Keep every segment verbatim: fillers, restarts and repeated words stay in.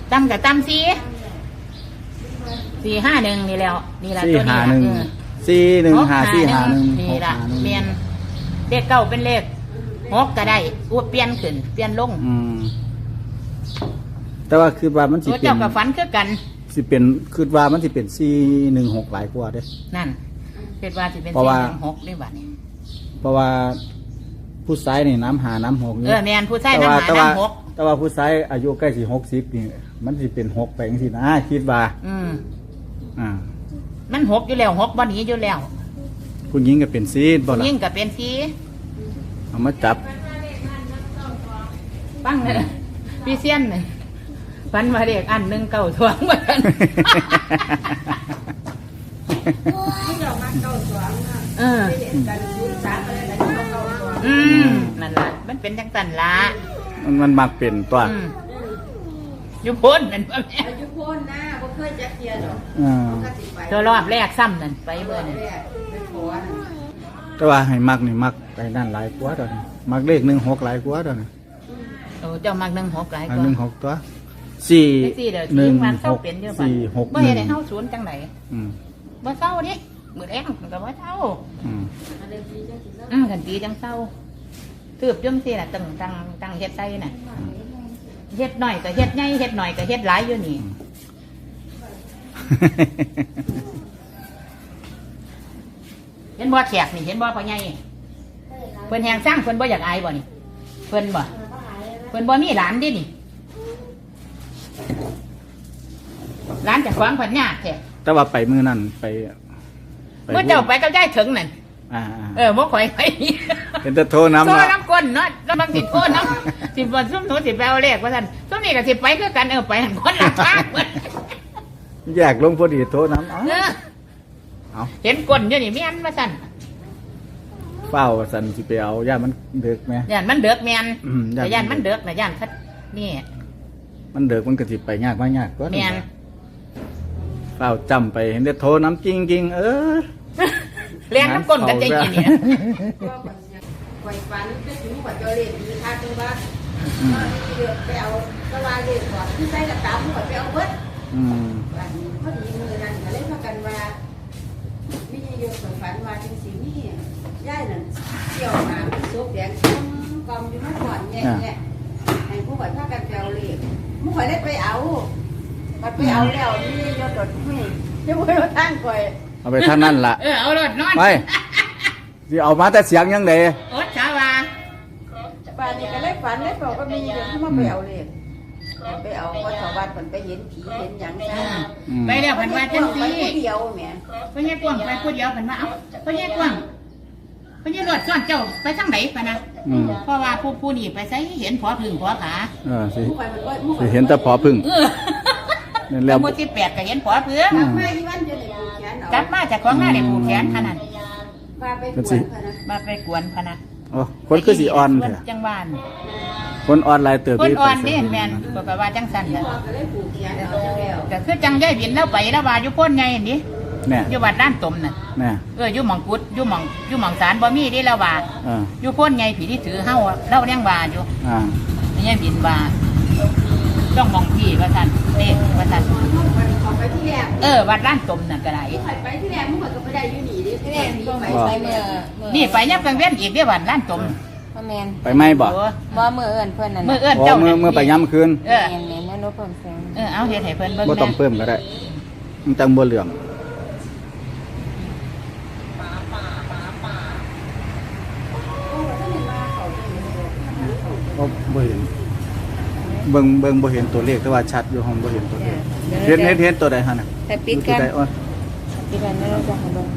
ตั้มกับตั้มสี่สี่ห้าหนึ่งนี่แล้วนี่แหละสี่ตัวนี้ห้าละหนึ่งเออสี่หนึ่งห้าสี่ห้าหนึ่งนี่หกละห้าหนึ่งเปลี่ยนเลขเก้าเป็นเลขหกก็ได้อู้เปลี่ยนขึ้นเปลี่ยนลงอืมแต่ว่าคือว่ามันสิตัวเป็นเจ้ากับฝันคือกันสิเป็นคือว่ามันสิเป็นสี่หนึ่งหกหลายกว่าเด้นั่นเป็นว่าสิเป็นเพราะสี่ว่าหนึ่งหกได้บ้านี่เพราะว่าผู้ชายนี่น้ำหาน้ำหกเออแมนผู้ชายแต่น้ำว่าหาแต่ว่าน้ำหกแต่ว่าผู้ชายอายุใกล้สี่หกสิบนี่มันสิเป็นหกไปจังซี่นะคิดว่าอืมอ่ามันหกอยู่แล้วหกบ่หนีอยู่แล้วผู้หญิงก็เป็นซีดบ่ล่ะยิ่งกับเป็นสี่เอามาจับปั้งเลยพี่เซียนเลยฝันมาเด็กอันหนึ่งเก่าทวงเหมือนกันเอออืมนั่นละมันเป็นจังสันละมันมันมักเป็นตัวอืมอยู่พ้นนั่นพ่อแม่อายุพ้นนะบ่เคยจักเทียดอกอ่าก็สิไปตัวรอบแรกซ้ำนั่นไปเมื่อนั่นแรกไปขอนั่นแต่ว่าให้มักนี่มักไปนั่นหลายกว่าตอนนี้มักเลขหนึ่งหกหลายกว่าตอนนี้โอ้เจ้ามักหนึ่งหกหลายอักนว่าหนึ่งหกตัวสี่ไม่สี่เดี๋ยวหนึ่ทิ้งงมันหเศร้าก เป็นเยอะไปสี่หกบ่หเห็นึ่นงให้เฮาศูนย์จังไหนอืมบ่เศร้าดิมือแรงมันก็บ่เศร้าอืมอืมกันตีจังเศร้าตืบจังซี่น่ะตั้งตั้งตั้งเฮ็ดใส่น่ะเฮ็ดหน่อยก็เฮ็ดใหญ่เฮ็ดหน่อยก็เฮ็ดหลายอยู่นี่เห็นบ่แขกนี่เห็นบ่พ่อใหญ่เพิ่นแฮงสร้างเพิ่นบ่อยากอายบ่นี่เพิ่นบ่เพิ่นบ่มีหลานดินี่หลานจะฟังเพิ่นยากแท้แต่ว่าไปมือนั่นไปเมื่อเจ้าไปกับยายถึงนั่นอ่าเออบ่ข่อยไปๆเป็นแต่โทรน้ำโซ่ละน้ำก้นเนาะแล้วบางสิโทษน้ำสิบ่ซุ่มหนูสิไปเอาเลขว่าซั่นซุ่มนี่ก็สิไปคือกันเออไปหันคนละทางเบิดแยกลงพอดีโทรน้ำเอาเออเอาเห็นก้นอยู่นี่แม่นว่าซั่นเฝ้าสันสิไปเอาย่ามันเดือกไหมย่านมันเดือกแม่นอืมย่านแต่ย่านมันเดือกน่ะย่านคัดนี่มันเดือกมันก็สิไปยากมายากก็แม่นเฝ้าจำไปเห็นแต่โทรน้ำจริงจริงๆเออเลี้ยงน้ำก้นกันใจกินนี่ก็ปล่อยฝันไปถึงกว่าเจอเลขดีค่ะจังว่าก็เดือดไปเอาสวายเลขก่อนที่ใส่กระตามก่อนไปเอาเบิดอืมวันนี้พอดีมือนั้นก็เลยพากันว่าวิทยุปล่อยฝันว่าจังซี่นี่ย่ายนั่นเกี่ยวมาซุปแดงต้มกอมอยู่มาก่อนแย่ๆให้ผู้ข่อยพากันไปเอาเลขผู้ข่อยได้ไปเอาบัดไปเอาแล้วนี่ยอดดดให้จะบ่รู้ทางก่อยเอาไปท่านนั่นละเออเอารถนอนไปสิเอามาแต่เสียงยังไงโอ๊ตชาวาป่านนี้ก็เลยฝันเลยบอกว่ามีเดี๋ยวเขามาไปเอาเลขไปเอาว่าชาวบ้านมันไปเห็นผีเห็นหยังซะไปแล้วเพิ่นว่าจังไปซี่ผู้เดียวแหมเพิ่นแยกกว้างไปผู้เดียวเพิ่นว่าเอ้าเพิ่นแยกกว้างเพิ่นแยกรถซ่อนเจ้าไปทางไหนปะนะอืมเพราะว่าผู้ผู้นี่ไปใส่เห็นพอพึ่งพอขาเออสิผู้ไปมันก็ผู้สิเห็นแต่พอพึ่งเออนั่นแล้แล้ว วหมู่ที่แปดก็เห็นพอพึ่งไม่ที่วันจะได้ผูกแขนเอากลับมาจากของหน้าได้ผูกแขนขนาดพาไปกวนพะนะมาไปกวนพะนะโอ้คนคือสีอ่อนเถอะจังหวานคนอ่อนหลายเติบคนที่อ่อนไปนี่ใส่แม่นก็ก็ว่าจังสั่นที่น่ะพ่อก็เลยผูกแขนเอาจังแล้วก็คือจังย่ายบินแล้วไปแล้วว่าอยู่พ้นไงนี่เนี่ยอยู่วัดด้านตมน่ะเนี่ยเอออยู่หม่องกุดอยู่หม่องอยู่หม่องศาลบ่มีที่แล้วว่าอ่าอยู่พ้นไงผีที่ถือเฮาเล่าเลี้ยงว่าอยู่อ่าไม่ใช่บินว่าต้องมองพี่ว่าซั่นนี่ว่าซั่นมันขอไปที่แรกเออวัดด้านตมน่ะก็ได้ผู้ไปที่แรกผู้ก็ไปได้อยู่นี่ดิที่แรกนี่ไปไปเมื่อนี่ไปยับกลางเว้นอีกเด้อวัดด้านตมพ่อแมนไปไหมบ่โอ้บ่มือเอิ้นเพิ่นนั่นมื่อน่ะเอื้อนโอ้เจ้าเมื่อเมื่อไปย้ำคืนเออแมนแมนแม่นบ่เพิ่มแสงเออเอาเฮ็ดให้เพิ่นเบิ่งบ่ต้องแม่เพิ่มก็ได้ มันจังบ่เหลืองโอ้บ่เห็นเบิ่งเบิ่งบ่เห็นตัวเลขแต่ว่าชัดอยู่ห้องบ่เห็นตัวเลขเห็นเห็นเห็นตัวใดหั่นน่ะแต่ปิดกันอยู่ตัวใอ้อปิดกันแล้วเราจะให้เบิ่ง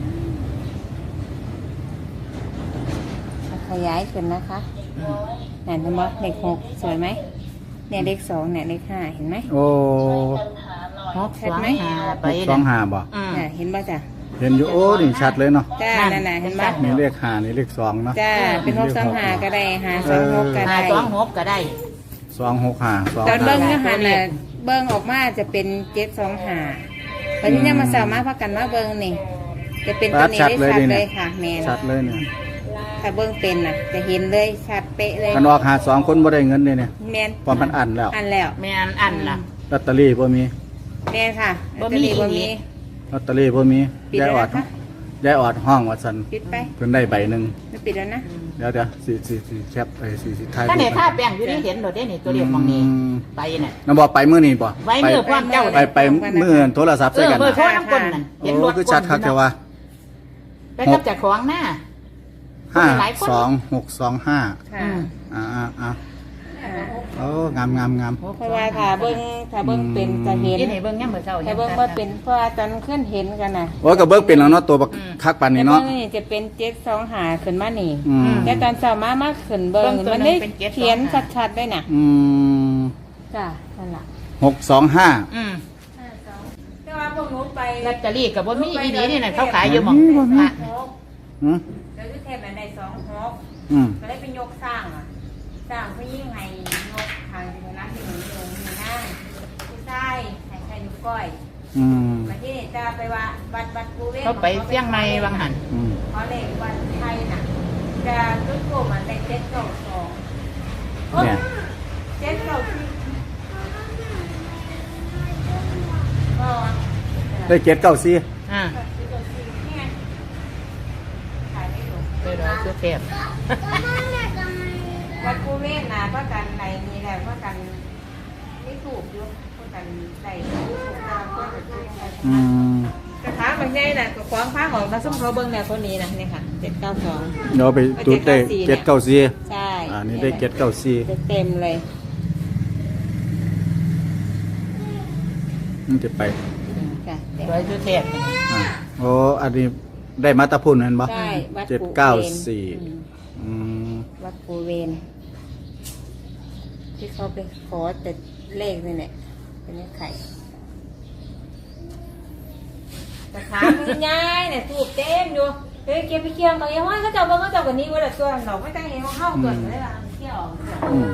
ขยายขึ้นนะคะนั่นเห็นบ่เลขหกสวยไหมเนี่ยเลขสองเนี่ยเลขห้าเห็นไหมโอ้หกสองห้าไปหกสองห้าบ่อืมน่ะเห็นบ่จ้ะเห็นอยู่โอ้นี่ชัดเลยเนาะจ้านั่นน่ะเห็นบ่นี่เลขห้านี่เลขสองเนาะจ้าเป็นหกสองห้าก็ได้ห้าสองหกก็ห้าได้สองหกก็ได้สองหกห้าสองตอนเบิ่งห้าเนื้อหาน่ะเบิ่งออกมาจะเป็นเจ็ดสองห้าตอนนี้เนี่ยมาสามารถพักกันมาเบิ่งนี่จะเป็นตัวนี้ได้ชัดเลยค่ะแม่นชัดเลยเนี่ยถ้าเบิ่งเป็นน่ะ จะเห็นเลยชัดเป๊ะเลยกันออกหาสองคนบ่ได้เงินเลยเนี่ยแม่นพอมันอันแล้วอันแล้วแม่นอันล่ะลอตเตอรี่บ่มีแม่ค่ะบ่มีบ่อีมีกลอตเตอรี่บ่มีปิดยายแล้วออดนะคะยายออดห้องว่าซั่นปิดไปเพิ่นได้ใบหนึงไม่ปิดแล้วนะเดี๋ยวเดี๋ยวสิสิสิแคปไปสิสิถ่ายถ้าในรูปท่าแป้งอยู่นี่เห็นโดดได้นี่ตัวเรียกมองนี้อืมไปน่ะนำบ่ไปมื้อนี้บ่ไว้มือพร้อมเจ้าไปเลยไปมื้อโทรศัพท์เอใส่อกันเบอร์โทรนะน้ำก้นนั่นเห็นรโอ้ถคือชัดคักแต่ว่าไปกับจากของหน้าห้าหลายคนสองหกสองห้าค่ะอืมอ่าอ่าอ่าอ่าโอ้งามงามงามเพราะว่าถ้าเบิ่งถ้าเบิ่งเป็นจะเห็นยี่นี่เบิ่งย่ำเบิ่งเช้าถ้าเบิ่งว่าเป็นเพราะว่าตอนขึ้นเห็นกันน่ะโอ้ยก็เบิกเป็นแล้วเนาะตัวบักคักปานนี้แต่เนาะเบิ่งนี่จะเป็นเจ็ดสองหาขึ้นมานี่อืมแต่ตอนเช้ามามาขึ้นเบิ่งมันได้เขียนชัดๆได้น่ะอืมจ้ะนั่นล่ะหกสองห้าอืมแต่ว่าพวกหนูไปลอตเตอรี่กับบ่มีอีดีนี่น่ะเขาขายอยู่หม่องพระอืมแล้วที่เทพมันได้สองหกอืมก็ได้เป็นยกสร้างอ่ะสร้างก็ยิ่งให้ยกทางที่นั้นที่หนูอยู่มีนั่งที่ใต้ให้ใครนิ้วก้อยอืมมาที่นี่จะไปว่าวัดวัดกูเวเขาไปเชียงใหม่บางหันอืมเพราะเลขวันไทยน่ะจะตุ้นโกมันได้เจ็ดเก้าสองโอ๊ยเนี่ยเจ็ดเก้าสี่ก็ได้เจ็ดเก้าสี่อ่าเจ็ดเก้าสี่นี่ไงขายไม่ถูกไปรอคือเทพวัดกูเวทนะเพราะกันในนี้แหละเพราะกันไม่ถูกอยู่เพราะกันใส่ถูกตามก็จะถูกใส่อืมกระถางบางใหญ่น่ะก็ขวางฟ้าของมาส้มเขาเบิ้งเนี่ยคนนี้นะนี่ค่ะเจ็ดเก้าสองเดี๋ยวไปจุดได้เจ็ดเก้าสี่ใช่อ่านี่ได้เจ็ดเก้าสี่เต็มเลยมันจะไปค่ะรอยคือเทพอ่าโอ้อันนี้ได้มาตาพุ่นเห็นบ่ใช่วัดเจ็ดปูเก้าเวนสี่อืมอืมวัดปูเวนที่เขาไปขอแต่เลขนี่แหละเป็นเลขไข่กระถางมันใหญ่เนี่ยถูกเต็มอยู่เฮ้ยเก็บไปเคียงเขายังว่าเขาเจ้าเบิ้งเขาเจ้ากันนี้ว่าแต่ตัวเราไม่ตั้งเห็นเขาเข้าเกินเลยล่ะเที่ยวอืม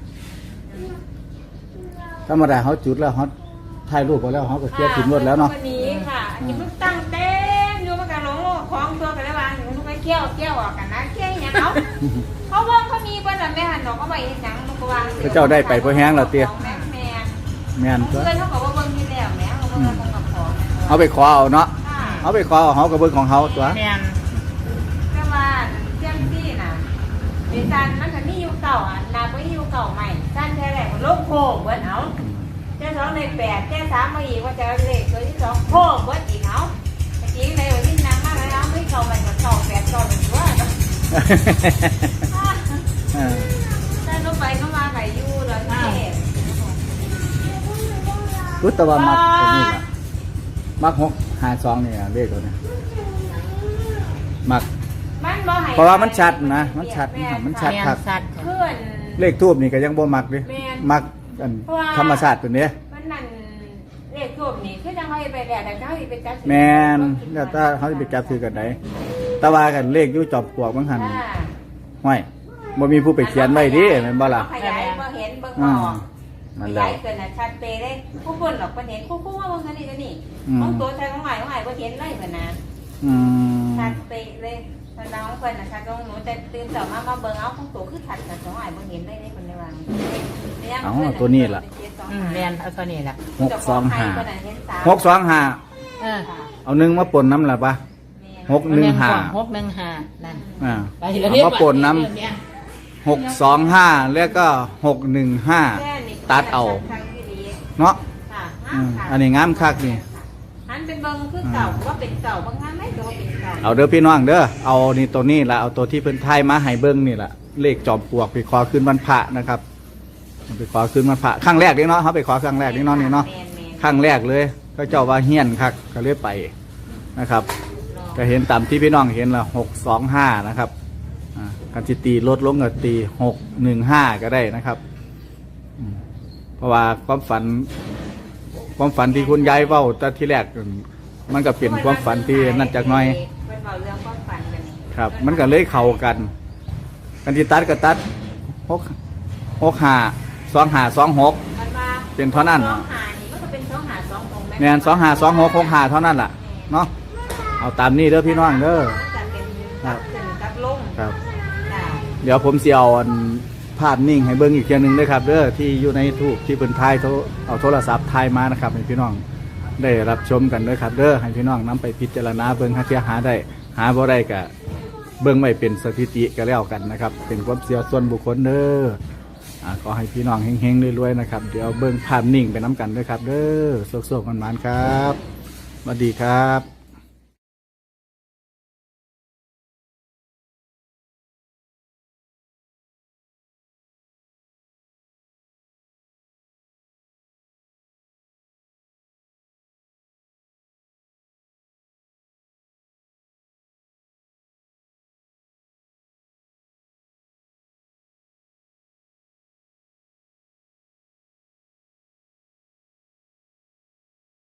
ธรรมดาเขาจุดแล้วเขาถ่ายรูปไปแล้วเขาก็เคลียร์ถิ่นรถแล้วเนาะวันนี้ค่ะอันนี้มันตั้งเต็มอยู่มันกันหลงคล้องตัวกันแล้วว่าอยู่มันก็เที่ยวเที่ยวออกกันนะเที่ยวอย่างเขาเขาเบิ้งเขามีเบิ้งแต่แม่หันดอกเขาไปเห็นหนังมันก็วางพระเจ้าได้ไปเพราะแห้งแล้วเตี้ยแม่แม่แม่นก็เพื่อนเขาบอกว่าเบิ้งที่แล้วแม่เขาบอกว่าเขากับของเอาไปขอเอาเนาะค่ะเอาไปขอเอาเขาก็เบิ่งของเขาตัวแม่นแต่ว่าเจ้าที่น่ะดิฉันมันก็มีอยู่เก่าอ่ะนาก็มีอยู่เก่าใหม่สั้นแค่ไหนมันโลกโค้งเบิ้งเอาเจ้าสองในแปดเจ้าสามมาอีกว่าจะเลขตัวที่สองโค้งเบิ้งอีกเอาตะกี้ในวันที่นางมากแล้วไม่เก่าใหม่กับเก่าแปดเก่าเป็นว่าเออถ้าลงไปก็มาไก่ยู่แล้วเทพรู้แต่ว่ามักตัวนี้ล่ะมักหกหาสองนี่เลขตัวนี้มักมันบ่ให้เพราะว่ามันชัดนะมันชัดมันชัดแม่นครับสัตว์เพื่อนเลขทูบนี่ก็ยังบ่มักดิแม่นมักอันเพราะว่าธรรมชาติตัวนี้มันนั่นเลขทูบนี่คือจังเขาไปแล้วแต่เขาไปจับแมนแล้วถ้าเขาจะไปจับถือกันไหนแต่ว่ากันเลขอยู่จอบปลวกบางหันห้อยบ่มีผู้ไปเขียนไว้ดิแม่นบ่ล่ะขยายบ่เห็นเบิ่งอ่าบ่นั่ขนแหละยายเกินน่ะชัดเปเลยผู้คนหรอกบ่เห็นคู่ๆว่าบ่เห็นนี่ตัวนี้อืมของตัวใช้ของใหม่ของใหม่บ่เห็นเลยเพิ่นน่ะอืมชัดเปเลยเพิ่นน้องเพิ่นน่ะชัดของหนูแต่ตื่นเช้ามามาเบิ่งเอาของตัวคือชัดแต่ของใหม่บ่เห็นเลยนี่เพิ่นได้ว่าเอาตัวนี้ล่ะอืมแม่นเอาตัวนี้ล่ะหกสองห้าเพิ่นน่ะเห็นสามหกสองห้าเออเอาหนึ่งมาปนน้ำล่ะปะหกหนึ่งห้าหกหนึ่งห้านั่นอ่าไปเอาเรียมาปนน้ำหกสองห้าแล้วก็หกหนึ่งห้าตัดเอาเนาะค่ะอืมอันนี้งามคักนี่อันเป็นเบิ่งคือเก่าว่าเป็นเก่าบางงานไม่ก็ว่าเป็นเก่าเอาเด้อพี่น้องเด้อเอานี่ตัวนี้ละเอาตัวที่เพิ่นทายมาให้เบิ่งนี่ละเลขจอมปลวกไปขอขึ้นวันพระนะครับไปขอขึ้นวันพระครั้งแรกนี่เนาะเขาไปขอครั้งแรกนี่เนาะนี่เนาะแม่นครั้งแรกเลยก็เจ้าว่าเฮี้ยนคักก็เลยไปนะครับ ก็เห็นตามที่พี่น้องเห็นละหกสองห้านะครับอ่าการจิตีลดลงก็ตีหกหนึ่งห้าก็ได้นะครับอืมเพราะว่าความฝัน ความฝันที่คุณยายเว้าแต่ที่แรกมันก็เปลี่ยนความฝันที่นั่นจากหน้อยเป็นเบาเรื่องความฝันกันนี่ครับ มันก็เลยเข้ากัน กันที่ตัดก็ตัดหกหกห้าสองห้าสองหกมันมาเป็นเท่านั้นสองหานี่มันก็เป็นสองหาสองของแมนสองห้าสองหกหกห้าเท่านั้นล่ะเนาะเอาตามนี้เด้อพี่น้องเด้อจะเป็นกับขึ้นกับลงครับจ้ะเดี๋ยวผมเสียวอันภาพนิ่งให้เบิ่งอีกเทียหนึงด้วยครับเด้อที่อยู่ในทูปที่เพิ่นถ่ายโทรเอาโทรศัพท์ถ่ายมานะครับให้พี่น้องได้รับชมกันด้วยครับเด้อให้พี่น้องนำไปพิจารณาเบิ่งหาเทียหาได้หาบ่ได้ก็เบิ่งไว้เป็นสถิติก็แล้วกันนะครับเป็นความเชื่อส่วนบุคคลเด้ออ่าขอให้พี่น้องเฮงๆรวยๆนะครับเดี๋ยวเบิ่งภาพนิ่งไปน้ำกันด้วยครับเด้อโชคๆมันๆครับสวัสดีครับ